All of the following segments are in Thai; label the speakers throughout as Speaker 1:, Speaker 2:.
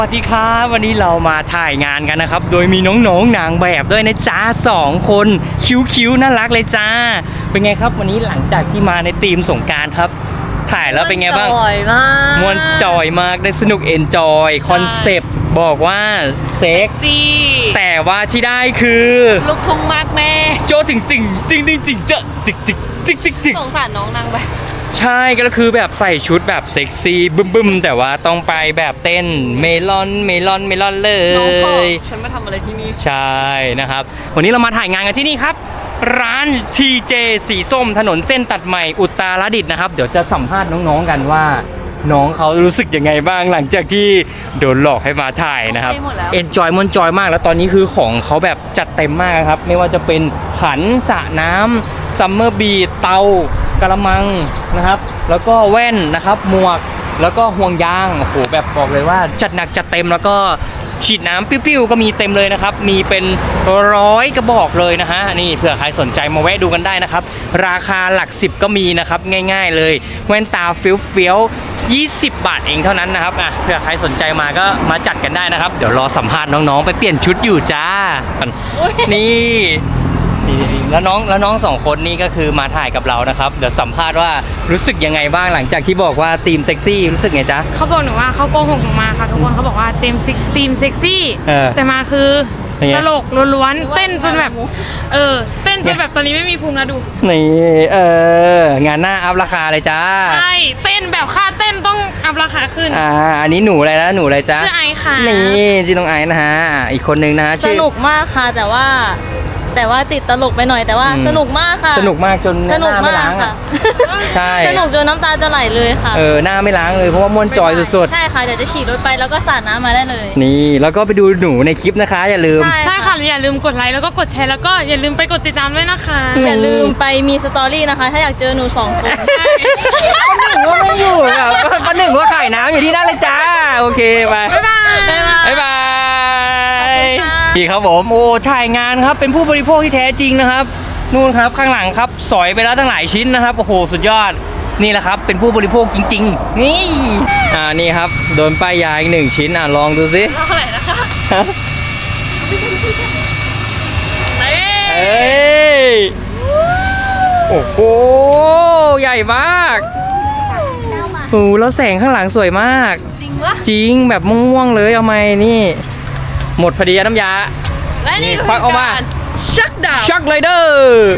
Speaker 1: สวัสดีครับวันนี้เรามาถ่ายงานกันนะครับโดยมีน้องๆนางแบบด้วยนะจ้า2 คนคิ้วๆน่ารักเลยจ้าเป็นไงครับวันนี้หลังจากที่มาในธีมสงกรานต์ครับถ่ายแล้วเป็นไงบ้าง
Speaker 2: จอยมาก
Speaker 1: ม่วนจอยมากได้สนุกเอนจอยคอนเซปต์บอกว่าเซ็ก
Speaker 2: ซี่
Speaker 1: แต่ว่าที่ได้คือ
Speaker 2: ลูกทุ่งมากแม่
Speaker 1: โจติ่งเจจิก
Speaker 2: สงสารน้องนางแบบ
Speaker 1: ใช่ก็คือแบบใส่ชุดแบบเซ็กซี่บึ้มแต่ว่าต้องไปแบบเต้นเมลอนเลย
Speaker 2: น้องขอฉันมาทำอะไรที่นี่
Speaker 1: ใช่นะครับวันนี้เรามาถ่ายงานกันที่นี่ครับร้าน TJ สีส้มถนนเส้นตัดใหม่อุตรดิตถ์นะครับเดี๋ยวจะสัมภาษณ์น้องๆกันว่าน้องเขารู้สึกยังไงบ้างหลังจากที่โดนหลอกให้มาถ่ายนะครับเอนจอยม่วนจอยมากแล้วตอนนี้คือของเขาแบบจัดเต็มมากครับไม่ว่าจะเป็นขันสระน้ำซัมเมอร์บีทเตากระมังนะครับแล้วก็แว่นนะครับหมวกแล้วก็ห่วงยางโอ้โหแบบบอกเลยว่าจัดหนักจัดเต็มแล้วก็ฉีดน้ำปิ้วๆก็มีเต็มเลยนะครับมีเป็น100 กระบอกเลยนะฮะนี่เผื่อใครสนใจมาแวะดูกันได้นะครับราคาหลัก10ก็มีนะครับง่ายๆเลยแว่นตาเฟี้ยว20 บาทเองเท่านั้นนะครับอ่ะเผื่อใครสนใจมาก็มาจัดกันได้นะครับเดี๋ยวรอสัมภาษณ์น้องๆไปเปลี่ยนชุดอยู่จ้านี่แล้วน้อง2 คนนี้ก็คือมาถ่ายกับเรานะครับเดี๋ยวสัมภาษณ์ว่ารู้สึกยังไงบ้างหลังจากที่บอกว่าทีมเซ็กซี่รู้สึกไงจ๊ะ
Speaker 3: เขาบอกหนูว่าเขาโกหกหนูมาค่ะทุกคนเขาบอกว่าทีมเซ็กซี่แต่มาคือตลกล้วนๆเต้นจนแบบเต้นจนแบบตอนนี้ไม่มีภูมิแล้วดู
Speaker 1: นี่งานหน้าอัพราคาเลยจ้า
Speaker 3: ใช่เต้นแบบค่าเต้นต้องอัพราคาขึ้น
Speaker 1: อันนี้หนูอะไรนะหนูอะไรจ้า
Speaker 3: ชื่อไอค่ะ
Speaker 1: นี่ชื่อน้องไอนะฮะอีกคนนึงนะ
Speaker 2: สนุกมากค่ะแต่ว่าติดตลกไปหน่อยแต่ว่าสนุกมากค่ะ
Speaker 1: สนุกมากจนหน้าไม่ล้างอ่ะใช่
Speaker 2: สนุกจนน้ำตาจะไหลเลยค่ะ
Speaker 1: หน้าไม่ล้างเลยเพราะว่าม่วนจอยสุด
Speaker 2: ๆใช่ค่ะเดี๋ยวจะขี่รถไปแล้วก็สาดน้ำมาได้เลย
Speaker 1: นี่แล้วก็ไปดูหนูในคลิปนะคะอย่าลืม
Speaker 3: ใช่ค่ะอย่าลืมกดไลค์แล้วก็กดแชร์แล้วก็อย่าลืมไปกดติดตามด้วยนะคะ
Speaker 2: อย่าลืมไปมีสตอรี่นะคะถ้าอยากเจอหนู2 คน
Speaker 1: ป้าหนึ่งว่าไม่อยู่ครับป้าหนึ่งว่าขายน้ำอยู่ที่นั่นเลยจ้าโอเคไปบ๊ายบายดีครับผมโอ้ถ่ายงานครับเป็นผู้บริโภคที่แท้จริงนะครับนู่นครับข้างหลังครับสอยไปแล้วตั้งหลายชิ้นนะครับโอ้โหสุดยอดนี่แหละครับเป็นผู้บริโภคจริงๆนี่นี่ครับโดนป้ายยาอีก1 ชิ้นลองดูสิ
Speaker 2: เท่าไหร่นะคะ
Speaker 1: เอ้ยโอ้โหใหญ่มากโอ้แล้วแสงข้างหลังสวยมาก
Speaker 2: จริงวะ
Speaker 1: จริงแบบม่วงๆเลยเอาไหมนี่หมดพอดีน้ำยา
Speaker 2: และนี่
Speaker 1: ควักออกมาชักเลยเด้อ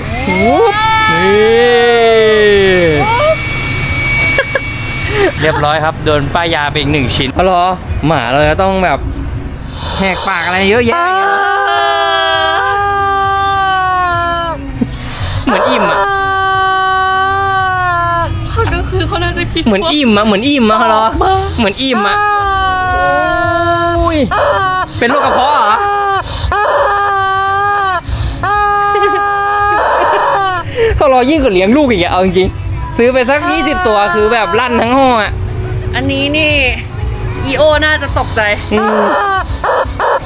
Speaker 1: เรียบร้อยครับโดนป้ายยาไปอีก1 ชิ้นอ๋อเหรอหมาเราจะต้องแบบแหกปากอะไรเยอะแยะเหมือนอิ่มอ่ะ
Speaker 2: ก็คือเขาน่าจะคิด
Speaker 1: เหมือนอิ่มอ่ะเหมือนอิ่มอ่ะเหรอเหมือนอิ่มอ่ะเป็นโรคกระเพาะเหรอเขารอยิ่งกว่าเลี้ยงลูกอีกอะเอาจริงๆซื้อไปสัก20 ตัวคือแบบลั่นทั้งห้องอะ
Speaker 2: อันนี้นี่อีโอน่าจะตกใจ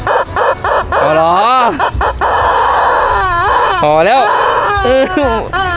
Speaker 1: พอแล้ว